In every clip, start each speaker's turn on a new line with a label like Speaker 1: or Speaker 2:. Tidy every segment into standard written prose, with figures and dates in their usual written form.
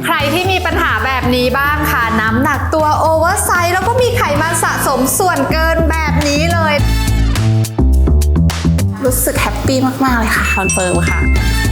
Speaker 1: ใครที่มีปัญหาแบบนี้บ้างค่ะน้ำหนักตัวโอเวอร์ไซส์แล้วก็มีไขมันสะสมส่วนเกินแบบนี้เลยรู้สึกแฮปปี้มากๆเลยค่ะ
Speaker 2: คอนเฟิร์มค่ะ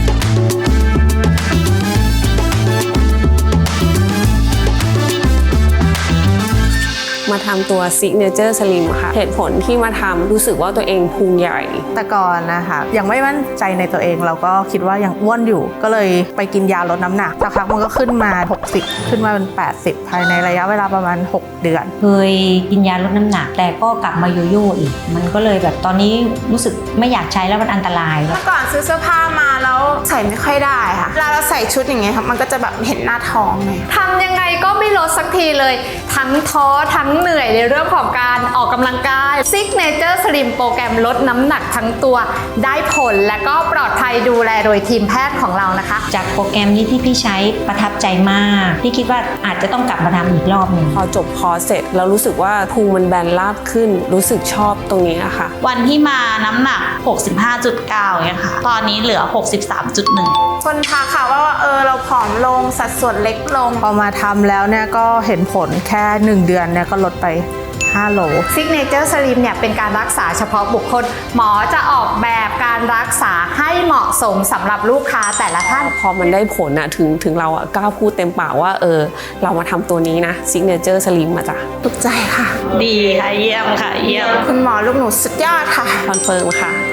Speaker 2: มาทำตัว Signature Slim ค่ะเหตุผลที่มาทำรู้สึกว่าตัวเองพุงใหญ่
Speaker 3: แต่ก่อนนะคะยังไม่มั่นใจในตัวเองเราก็คิดว่ายังอ้วนอยู่ก็เลยไปกินยาลดน้ำหนักสักพักมันก็ขึ้นมา60ขึ้นมาเป็น80ภายในระยะเวลาประมาณ6เดือน
Speaker 4: เคยกินยาลดน้ำหนักแต่ก็กลับมาโยโย่อีกมันก็เลยแบบตอนนี้รู้สึกไม่อยากใช้แล้วมันอันตราย
Speaker 5: เมื่อก่อนซื้อเสื้อผ้ามาแล้วใส่ไม่ค่อยได้ค่ะเวลาเราใส่ชุดอย่างเงี้ยค่ะมันก็จะแบบเห็นหน้าท้องเลย
Speaker 1: ทำยังไงก็ไม่ลดสักทีเลยทั้งท้อทั้งเหนื่อยในเรื่องของการออกกำลังกาย Signature Slim โปรแกรมลดน้ำหนักทั้งตัวได้ผลและก็ปลอดภัยดูแลโดยทีมแพทย์ของเรานะคะ
Speaker 4: จากโปรแกรมนี้ที่พี่ใช้ประทับใจมากพี่คิดว่าอาจจะต้องกลับมาทำอีกรอบหนึ่ง
Speaker 2: พอจบคอร์สเสร็จแล้วรู้สึกว่าพุงมันแบนราบขึ้นรู้สึกชอบตรงนี้ค่ะ
Speaker 6: วันที่มาน้ำหนัก 65.9 เนี่ยค่ะตอนนี้เหลือ 63.1
Speaker 5: คนทักค่ะว่าเราผอมลงสัดส่วนเล็กลง
Speaker 3: พอมาทำแล้วเนี่ยก็เห็นผลแค่1เดือนเนี่ยก็ลดไป5 โล
Speaker 1: Signature Slim เนี่ยเป็นการรักษาเฉพาะบุคคลหมอจะออกแบบการรักษาให้เหมาะสมสำหรับลูกค้าแต่ละท่าน
Speaker 2: พอมันได้ผลอะถึงเราอะกล้าพูดเต็มปากว่าเรามาทำตัวนี้นะ Signature Slim มาจ้ะ
Speaker 5: ถูกใจค่ะ
Speaker 6: ดีค่ะเยี่ยมค่ะเยี่ยม
Speaker 5: คุณหมอลูกหนูสุดยอดค่ะ
Speaker 2: คอนเฟิร์มค่ะ